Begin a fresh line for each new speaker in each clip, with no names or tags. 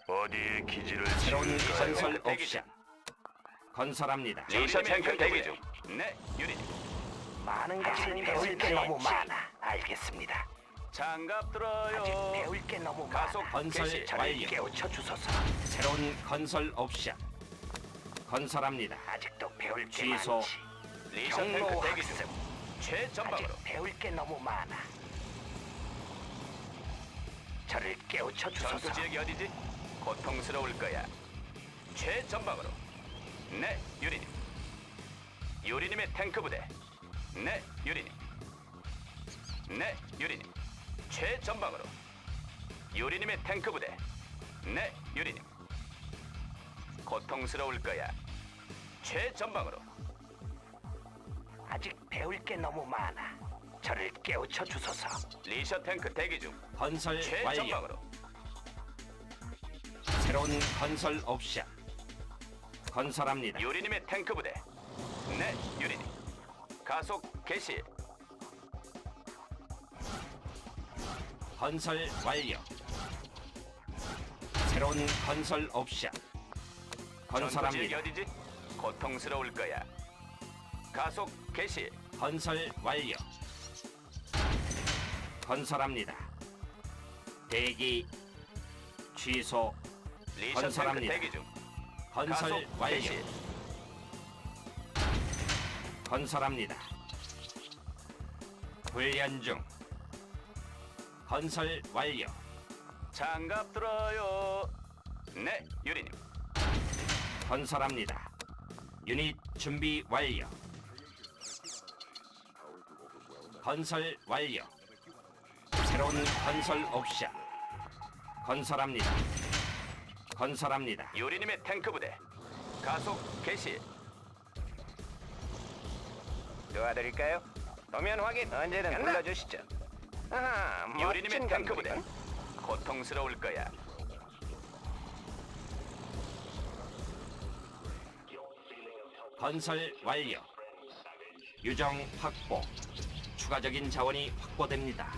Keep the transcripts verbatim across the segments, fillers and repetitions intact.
어디에 기지를
새로운
지을까요?
건설 옵션 건설합니다.
리셔 탱크 대기 중. 네, 유닛.
많은 것을 배울 게 너무 많아. 알겠습니다.
장갑
아직
들어요.
배울 게 너무
가속
많아.
건설
개시.
저를
완료.
깨우쳐 주소서.
새로운 건설 옵션 건설합니다.
아직도 배울 게
취소.
많지.
리셔
경로
탱크 대기 중.
학습.
최전방으로.
아직 배울 게 너무 많아. 저를 깨우쳐
전투
주소서.
지역이 어디지? 고통스러울 거야. 최전방으로. 네, 유리님. 유리님의 탱크 부대. 네, 유리님. 네, 유리님. 최전방으로. 유리님의 탱크 부대. 네, 유리님. 고통스러울 거야. 최전방으로.
아직 배울 게 너무 많아. 저를 깨우쳐 주소서.
리셔 탱크 대기 중.
건설 완료.
최전방으로.
새로운 건설 옵션 건설합니다.
유리님의 탱크 부대. 네, 유리님. 가속 개시.
건설 완료. 새로운 건설 옵션
전투지역이
건설합니다.
어디지? 고통스러울 거야. 가속 개시.
건설 완료. 건설합니다. 대기 취소
리셔 탱크
건설합니다.
대기 중.
건설
가속
완료.
개시.
건설합니다. 훈련 중. 건설 완료.
장갑 들어요. 네, 유리님.
건설합니다. 유닛 준비 완료. 건설 완료. 새로운 건설 옵션 건설합니다. 건설합니다.
유리님의 탱크 부대. 가속 개시.
도와드릴까요? 도면 확인. 언제든 불러주시죠. 아하,
유리님의
멋진
탱크 부대.
건물이군.
고통스러울 거야.
건설 완료. 유정 확보. 추가적인 자원이 확보됩니다.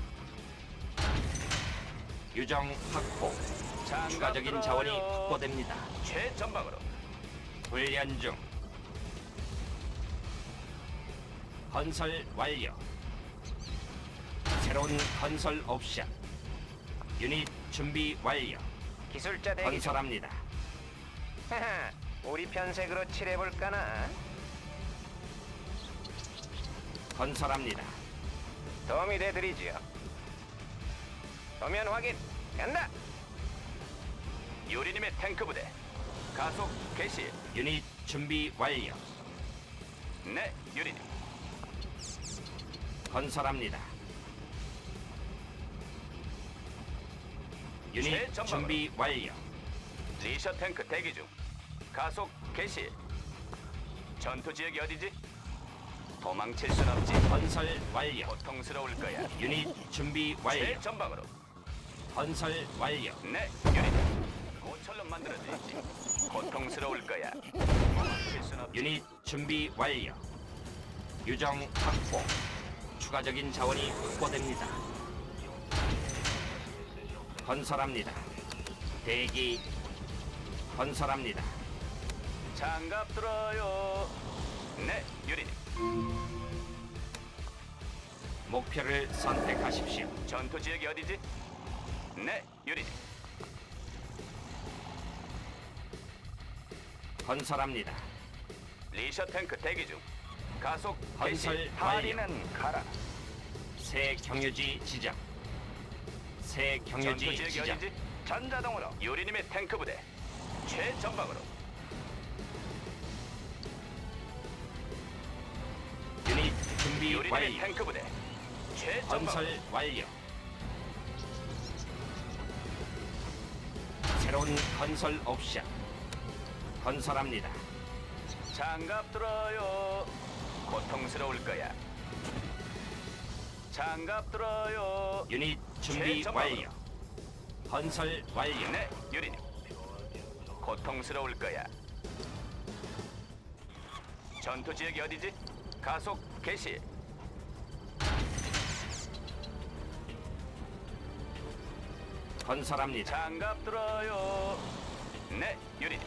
유정 확보.
장갑
추가적인
들어요.
자원이 확보됩니다.
최전방으로.
훈련 중. 건설 완료. 새로운 건설 옵션. 유닛 준비 완료.
기술자 대기 중.
건설합니다.
하하, 우리 편색으로 칠해볼까나?
건설합니다.
도움이 돼드리지요. 도면 확인. 간다.
유리님의 탱크 부대. 가속 개시.
유닛 준비 완료.
네, 유리님.
건설합니다. 유닛
최전방으로.
준비 완료.
리셔 탱크 대기 중. 가속 개시. 전투 지역이 어디지? 도망칠 순 없지.
건설 완료.
고통스러울 거야.
유닛 준비 완료.
최전방으로.
건설 완료.
네, 유리님. 고철로 만들어주지. 고통스러울 거야. 도망칠 순 없지.
유닛 준비 완료. 유정 확보. 추가적인 자원이 확보됩니다. 건설합니다. 대기. 건설합니다.
장갑 들어요. 네, 유리님.
목표를 선택하십시오.
전투 지역이 어디지? 네, 유리님.
건설합니다.
리셔 탱크 대기 중. 가속 개시.
건설 완료.
파리는 가라.
새 경유지 지정. 새
전투
경유지
지역이
지정.
어디지?
전자동으로.
유리님의 탱크 부대. 최전방으로.
유닛 준비
유리님의
완료.
탱크 부대. 최전방으로.
건설 완료. 새로운 건설 옵션 건설합니다.
장갑 들어요. 고통스러울 거야. 장갑 들어요.
유닛 준비
최전방으로.
완료. 건설 완료.
네, 유리님. 고통스러울 거야. 전투 지역이 어디지? 가속 개시.
건설합니다.
장갑 들어요. 네, 유리님.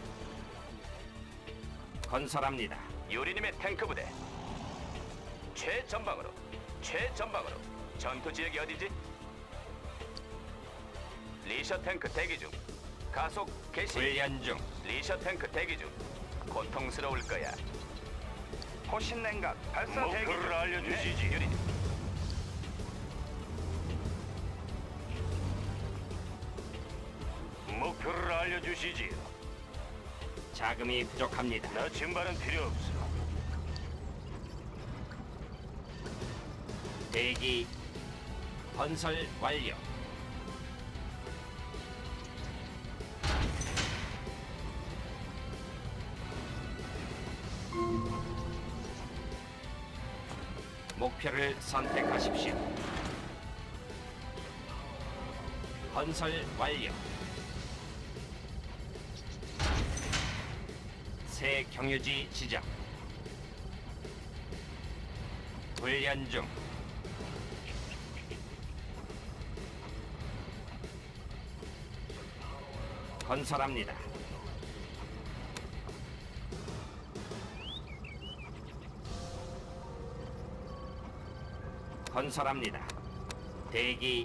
건설합니다.
유리님의 탱크 부대. 최전방으로, 최전방으로. 전투 지역이 어디지? 리셔 탱크 대기 중. 가속 개시.
훈련 중.
리셔 탱크 대기 중. 고통스러울 거야. 호신 냉각 발사 대기 중.
목표를 알려주시지.
네, 유리님.
목표를 알려주시지.
자금이 부족합니다.
나 증발은 필요 없어.
대기. 건설 완료. 목표를 선택하십시오. 건설 완료. 새 경유지 지정. 훈련 중. 건설합니다. 건설합니다. 대기.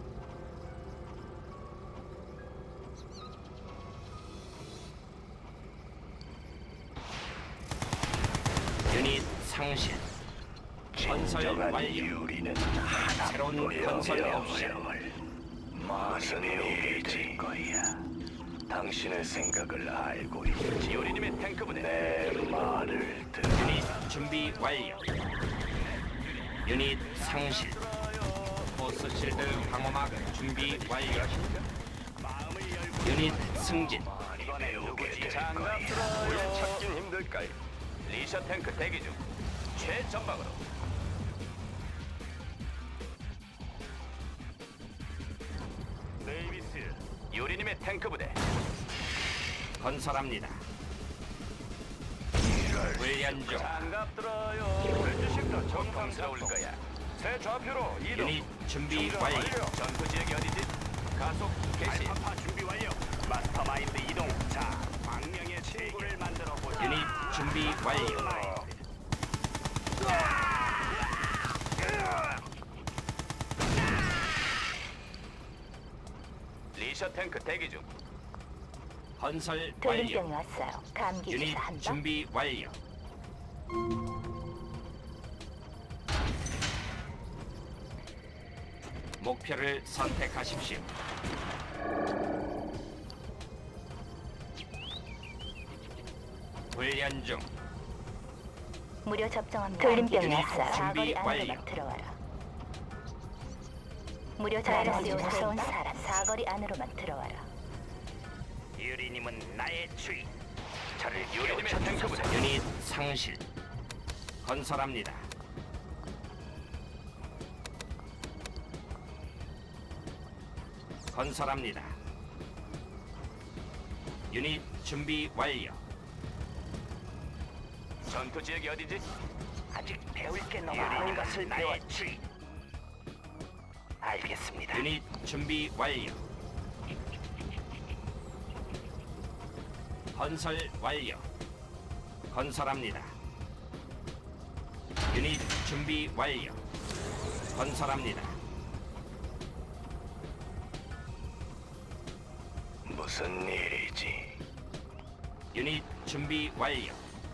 유닛 상실. 건설 완료.
유리는
새로운 건설 옵션.
무슨 일이 될 거야. 당신의 생각을 알고 있지.
유리님의 탱크 부대.
내 말을 들어.
유닛 준비 완료. 유닛 상실. 포스 실드 방어막 준비 완료. 유닛 승진.
이번에 누구지?
될
장갑
거야.
들어요.
찾긴 힘들까요?
리셔 탱크 대기 중. 최전방으로.
네이비스.
유리님의 탱크 부대.
건설합니다. 훈련 중.
장갑 들어요.
레드식도
고통스러울
정상
거야.
새 좌표로 이동.
유닛 준비 완료.
전투 지역이 어디지? 가속 개시.
알파파 준비 완료. 마스터마인드 이동. 자, 광명의 친구를 만들어 보자.
유닛 준비 완료.
리셔 탱크 대기 중.
건설
돌림병이
완료.
왔어요. 감기
유닛
주사 한 방.
준비 완료. 목표를 선택하십시오. 훈련 중.
무료 접종합니다. 돌림병이
유닛
왔어요.
준비
사거리 안으로
완료.
막 들어와라. 무료 접종이 무서운 사람 사거리 안으로만 들어와라.
유리님은 나의 주인.
저를 유리님의 탱크 부대.
유닛 상실. 건설합니다. 건설합니다. 유닛 준비 완료.
전투 지역이 어디지?
아직 배울 게 너무 많은 것을 배웠지. 알겠습니다.
유닛 준비 완료. 건설 완료. 건설합니다. 유닛 준비 완료. 건설합니다.
무슨 일이지?
유닛 준비 완료.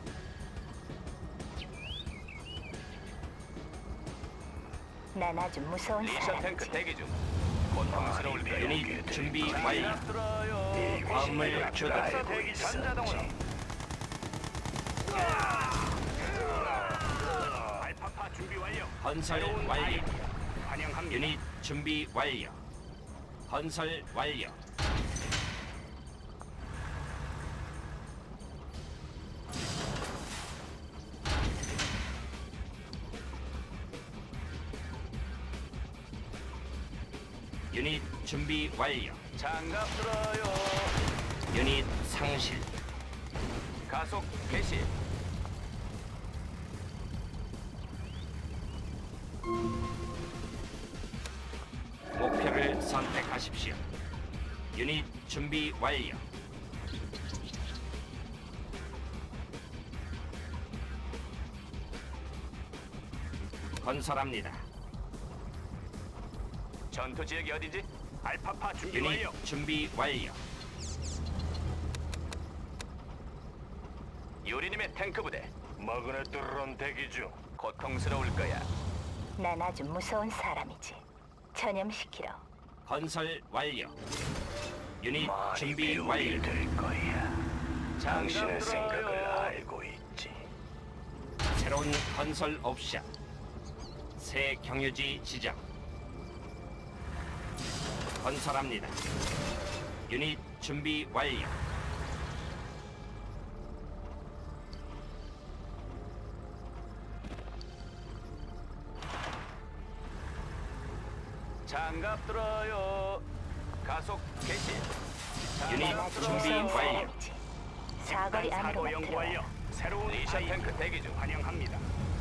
난 아주 무서운
리셔 탱크
사람이지.
대기 중. 고통스러울 거야.
유닛 준비 완료.
들어요.
화물 조달.
알고
대기
있었지.
전자동으로. 알파파 준비 완료.
건설 완료.
환영합니다.
유닛 준비 완료. 건설 완료. 유닛 준비 완료.
장갑 들어요.
유닛 상실.
가속 개시.
목표를 선택하십시오. 유닛 준비 완료. 건설합니다.
전투 지역이 어디지?
알파파 준비
유닛
완료.
준비 완료.
유리님의 탱크 부대.
머그네뜨론 대기 중.
고통스러울 거야.
난 아주 무서운 사람이지. 전염시키러.
건설 완료. 유닛
많이
준비
배우게
완료.
될 거야. 당신의
장갑
생각을
들어요.
알고 있지.
새로운 건설 옵션. 새 경유지 지정. 건설합니다. 유닛 준비 완료.
장갑 들어요. 가속 개시.
유닛
난 아주
준비
무서운
완료.
사람이지. 사거리
사고
안으로만
연구
들어와.
완료. 새로운
리셔
아이디
탱크 대기 중.
환영합니다.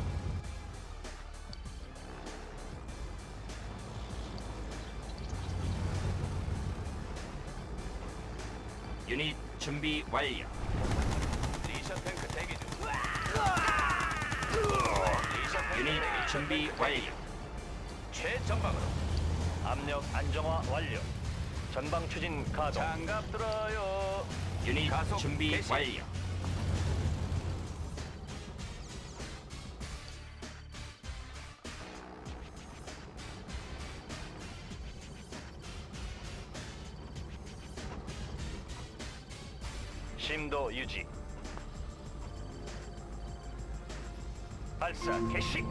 유닛 준비 완료.
리셔 탱크 대기 중. 리셔 탱크
유닛
대기 중.
준비 완료.
최전방으로.
압력 안정화 완료. 전방 추진 가동.
장갑 들어요.
유닛
가속
준비
개시.
완료.
심도 유지. 발사 개시.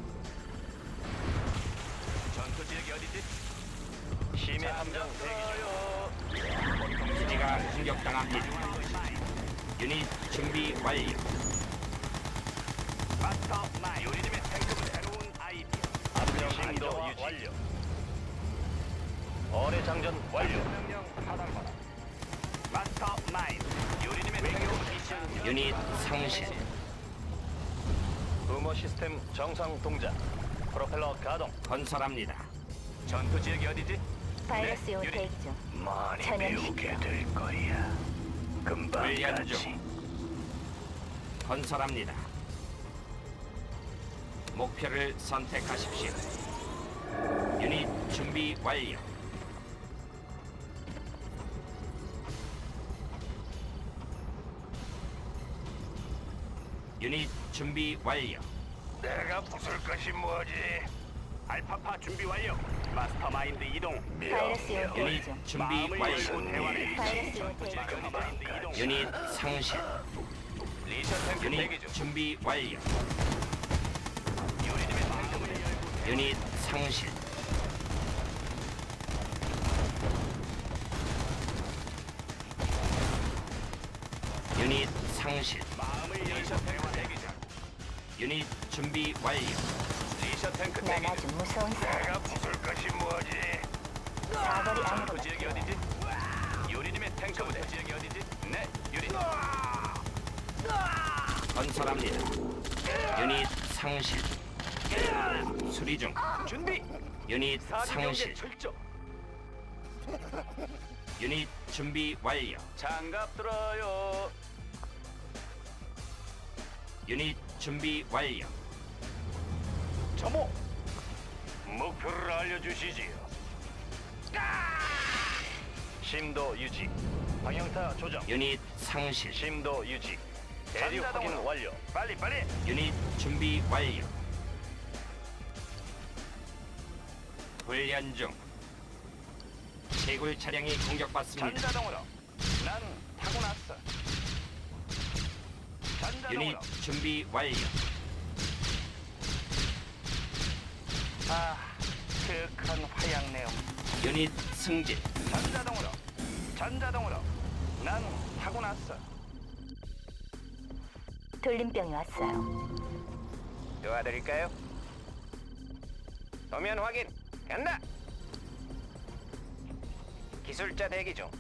전투 지역이 어디지?
심해 함정 대기 중.
기지가 공격당합니다. 유닛 준비 완료.
마스터 마이.
유리님의 탱크 부대.
새로운 아이디어. 압력
심도
안정화
유지.
완료. 어뢰 장전 완료. 명령 하단받아. 마스터 마인.
유리님의 탱크 부대.
유닛 상실.
부모 시스템 정상 동작. 프로펠러 가동.
건설합니다.
전투 지역이 어디지?
바이러스 요
유리.
대기 중.
많이
전염시켜.
배우게 될 거야. 금방
훈련
가지.
중. 건설합니다. 목표를 선택하십시오. 유닛 준비 완료. 유닛 준비 완료.
내가 부술 것이 뭐지? 알파파 준비 완료. 마스터마인드 이동.
바이러스 요 대기
유닛
중.
준비
마음을
완료.
열고 대화를
바이러스 요 대기 중.
마스터마인드 이동.
유닛 상실.
리셔 탱크 대기
유닛
중.
준비 완료.
유리님의 탱크 부대.
유닛 상실. 유닛 상실.
마음을 리셔 탱크 대기 중.
유닛 준비 완료.
리셔 탱크
난
대기
아주
중.
무서운
내가
사람이지.
부술 것이 뭐지?
사거리
전투
안으로만
지역이
들어와.
어디지? 유리님의 탱크 부대. 지역이 어디지? 네, 유리님.
건설합니다. 유닛 상실. 수리 중.
준비.
유닛
사진경제
상실.
철저.
유닛 준비 완료.
장갑 들어요.
유닛 준비 완료.
점호. 목표를 알려주시지요. 심도 유지. 방향타 조정.
유닛 상실.
심도 유지. 대륙 확인 완료. 빨리 빨리.
유닛 준비 완료. 훈련 중. 제굴 차량이 공격받습니다.
전자동으로. 난 타고났어.
유닛
전자동으로.
준비 완료.
아, 그윽한 화양 내음.
유닛 승진.
전자동으로. 전자동으로. 난 타고났어.
돌림병이 왔어요.
도와드릴까요? 도면 확인. 간다. 기술자 대기 중.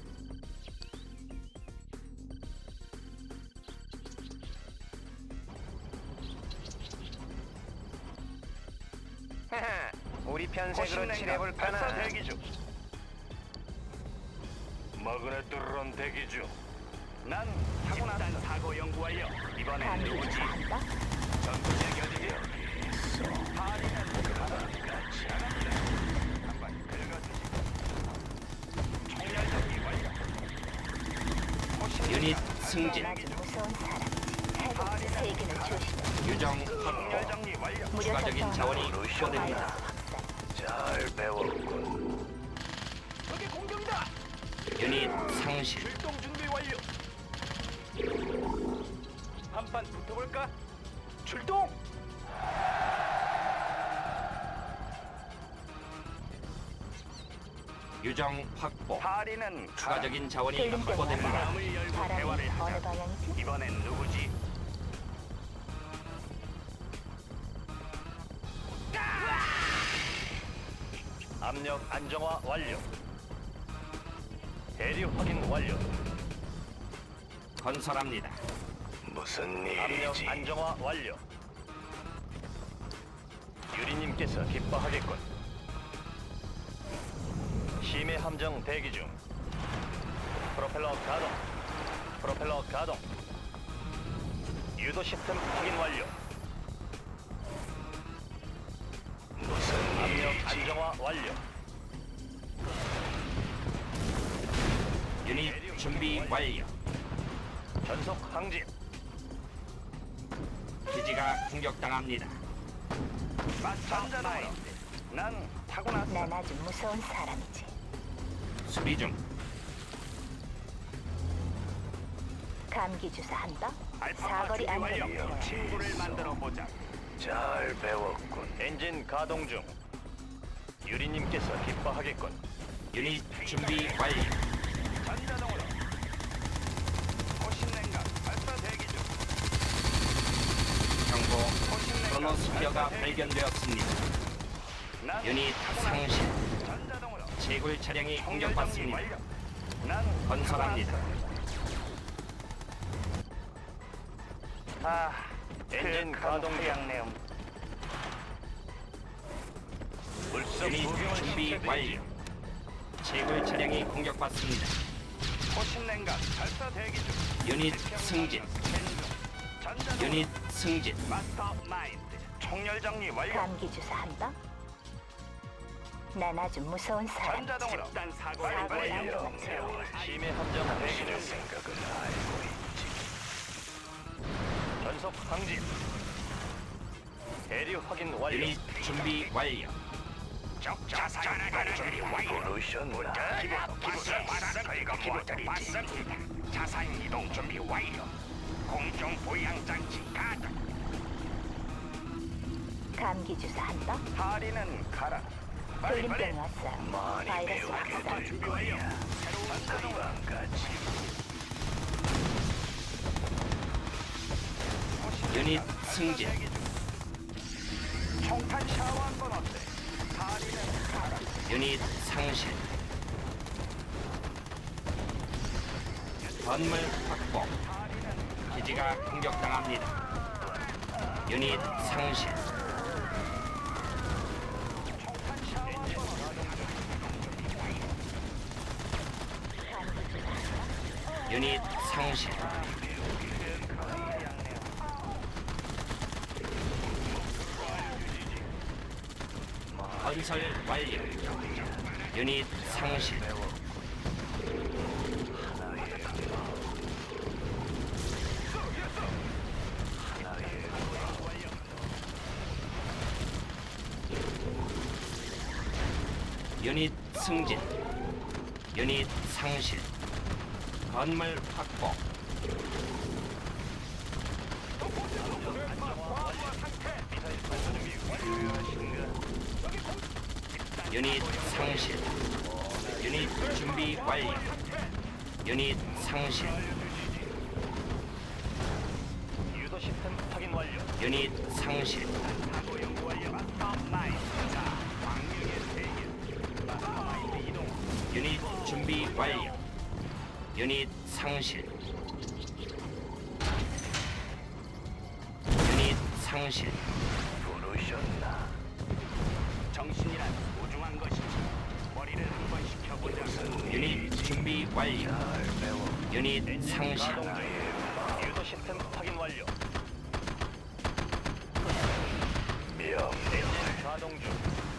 하하, 우리 편색으로 칠해볼까나.
대기 중. 마그네트론 대기 중. 난 집단 사고 연구 완료. 이번엔
감기
누구지?
주사 한다.
전투지역 어디지? 파리는 가라. 한번 긁어주지. 총열 정리 완료.
유닛 승진.
아주 무서운 사람이지. 해독 세균을 조심해.
유정
총열
확보.
정리 완료.
무료
추가적인
접종.
자원이 확보됩니다.
확산.
잘 배웠군. 적의 공격이다.
유닛 상실.
출동 준비 완료. 한판 붙어볼까? 출동.
유정 확보.
파리는
추가적인 자원이
들림 때문에
확보됩니다.
마음을 열고
바람이
대화를
어느
하자.
방향이지?
이번엔 누구지? 압력 안정화 완료. 대류 확인 완료.
건설합니다.
무슨 일이지? 압력 안정화 완료. 유리님께서 기뻐하겠군. 심해 함정 대기 중. 프로펠러 가동. 프로펠러 가동. 유도 시스템 확인 완료. 무슨 압력 안정화 완료.
유닛 준비 완료.
전속 항진.
기지가 공격당합니다.
마찬가지로. 난 타고났어.
난 아주 무서운 사람이지.
수리 중.
감기 주사 한다.
알파파
사거리
준비
안으로
완료.
들어와.
친구를 만들어 보자. 잘 배웠군. 엔진 가동 중. 유리님께서 기뻐하겠군.
유닛 준비 완료.
전자동으로. 호신냉각 발사 대기 중.
경고.
호신냉각
크로노스피어가
발사 대기 중.
발견되었습니다.
난
유닛
타고났어.
상실.
전자동으로.
제굴 차량이
총열 정리
공격받습니다.
완료. 난
건설합니다.
타고났어. 아, 엔진 가동 양내음.
유닛 준비 완료. 제굴 차량이 공격받습니다.
호신냉각 발사 대기 중.
유닛 승진.
전자동으로.
유닛 승진.
마스터 마인드. 총열 정리 완료.
감기 주사 한다. 난 아주 무서운 사람이지.
전자동으로. 집단 사고
사고를 안으로 들어와.
심해 함정 대기 중. 생각을 알고 있지. 전속 항진. 대류 확인 완료.
유닛 준비 완료.
적 자산 이동 준비 완료. 부르셨나? 기본 바라는 거이가 무엇들이지? 자산 이동 준비 완료. 공정 보양 장치 가동.
감기 주사 한다.
파리는 가라. 빨리 빨리.
돌림병이 왔어요. 바이러스 확산.
준비 완료. 새로운 자동으로.
유닛 승진.
총탄 샤워 한번 어때? 파리는 가라.
유닛 상실. 건물 확보. 기지가 공격당합니다. 유닛 상실. 유닛 상실. 건설 완료. 유닛 상실. 유닛 승진. 유닛 상실. 건물 확보. 유닛 상실. 유닛 준비 완료. 유닛 상실.
유도 시스템 확인 완료.
유닛 상실.
사고 연구 완료. 마스터 마인드. 자, 광명의 세계. 마스터 마인드 이동.
유닛 준비 완료. 유닛 상실. 유닛 상실.
부르셨나? 정신이란 소중한 것이지. 머리를 한번 식혀보자.
유닛 준비 완료. 유닛 상실.
유도 시스템 확인 완료.
명령.
가동 중.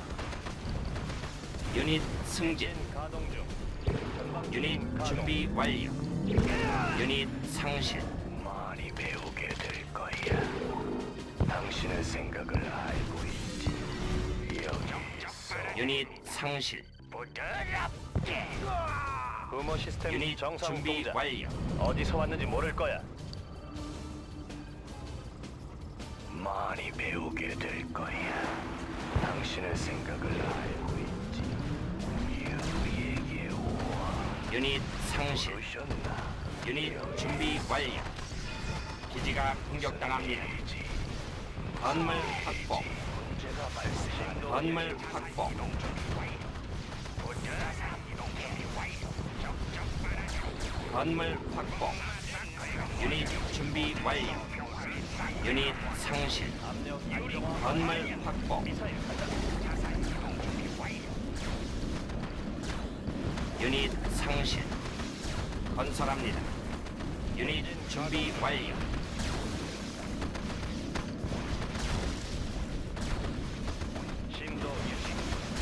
유닛 승진.
가동 중. 전방
유닛
가동.
준비 완료. 유닛 상실.
많이 배우게 될 거야. 당신의 생각을 알고 있지. 여기 있어.
유닛 상실.
부드럽게.
부모 시스템
유닛
정상
준비
동작.
완료.
어디서 왔는지 모를 거야.
많이 배우게 될 거야. 당신의 생각을 알고 있지. 여기에게 와.
유닛 상실.
부르셨나?
유닛 준비 완료. 기지가 공격당합니다.
일이지.
건물 확보.
문제가 발생한
건물 확보. 건물 확보. 유닛 준비 완료. 유닛 상실.
압력 안정화.
건물 확보.
미사일 간다.
유닛 상실. 건설합니다. 유닛 준비 완료.
심도 유지.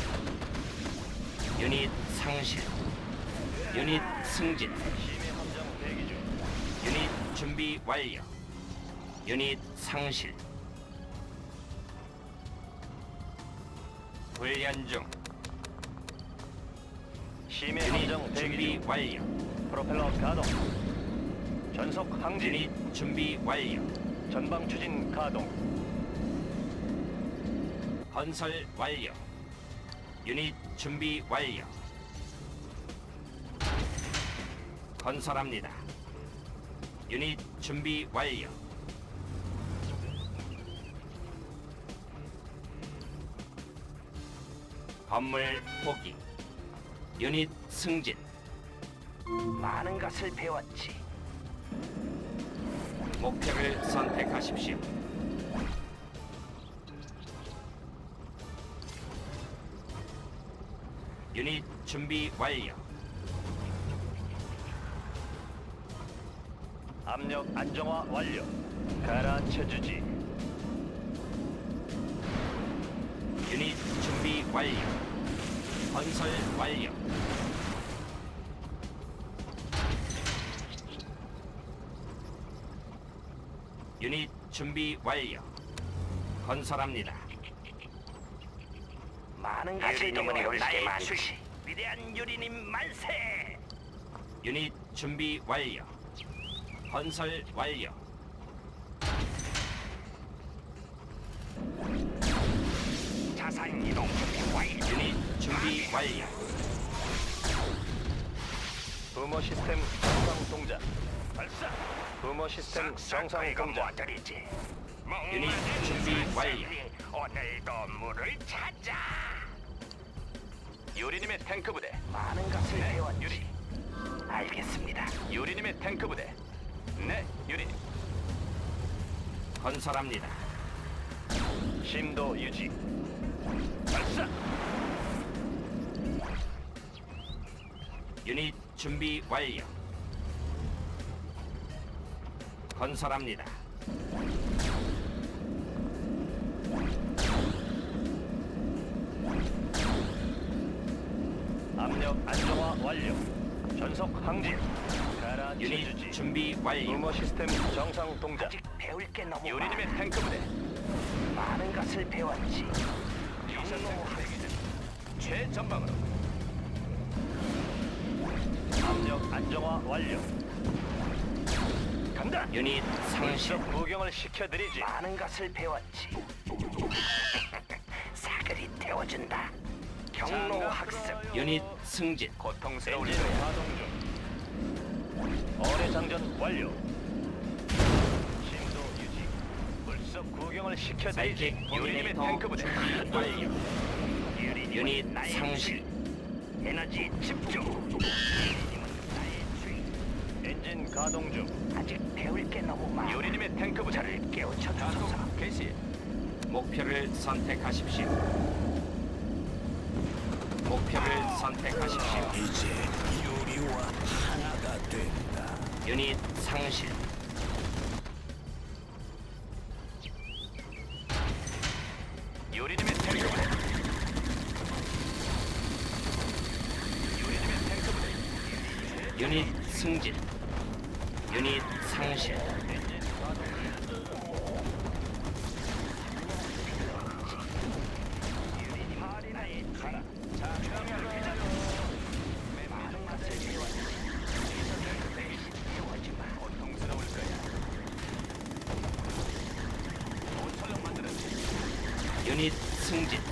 유닛 상실. 유닛 승진.
심해 함정 대기 중.
유닛 준비 완료. 유닛 상실. 훈련 중.
심해
유닛
함정 대기
준비
중.
완료.
프로펠러 가동. 전속 항진.
유닛 준비 완료.
전방 추진 가동.
건설 완료. 유닛 준비 완료. 건설합니다. 유닛 준비 완료. 건물 포기. 유닛 승진.
많은 것을 배웠지.
목표를 선택하십시오. 유닛 준비 완료.
압력 안정화 완료. 가라앉혀 주지.
유닛 준비 완료. 건설 완료. 유닛 준비 완료. 건설합니다.
많은
유리님은 올 게 많지.
주시. 위대한 유리님 만세.
유닛 준비 완료. 건설 완료.
자산 이동 준비 완료.
유닛 준비 완료.
부모 시스템 정상 동작. 발사. 부모 시스템 정상 동작.
드리지.
유닛 준비 완료.
오늘도 물을 찾아.
유리님의 탱크 부대.
많은 것을 배웠지.
유리.
알겠습니다.
유리님의 탱크 부대. 네, 유리님.
건설합니다.
심도 유지. 발사.
유닛 준비 완료. 건설합니다.
압력 안정화 완료. 전속 항진. 가라앉혀
유닛
주지.
준비 완료.
부모 시스템 정상 동작.
아직 배울 게 너무
유리님의 탱크 부대.
많은 것을 배웠지.
최전방으로.
압력 안정화 완료. 간다.
유닛 상실.
물속 구경을 시켜드리지. 많은 것을 배웠지. 사거리 태워준다. 경로 학습.
유닛 승진.
고통스러울
엔진
거야.
가동 중. 어뢰 장전 완료. 심도 유지. 물속 구경을 시켜드리지.
사이킥
유리님의
터미네이터
탱크 부대.
준비 완료.
유리님은
유닛
나의
상실.
주인. 에너지 집중. 유리님은 나의 주인. 엔진 가동 중. 아직 배울 게 너무 많아.
유리님의 탱크 부대.
저를 깨우쳐 주소서.
가속 개시.
목표를 선택하십시오. 목표를 선택하십시오.
이제 요리
우리와 하나가 된다. 유닛 상실.
요리님의 탱크 부대. 요리님의 탱크 부대.
유닛 승진. 유닛 상실.
고통스러울 거야. 모처럼 만들었지.
유닛 승진.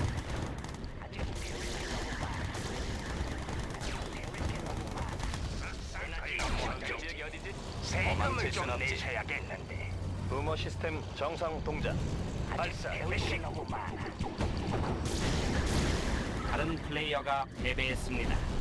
지역이 어디지?
세금을
도망칠
좀
순 없지.
내셔야겠는데.
부모 시스템 정상 동작. 발사 개시.
너무 많아.
다른 플레이어가 패배했습니다.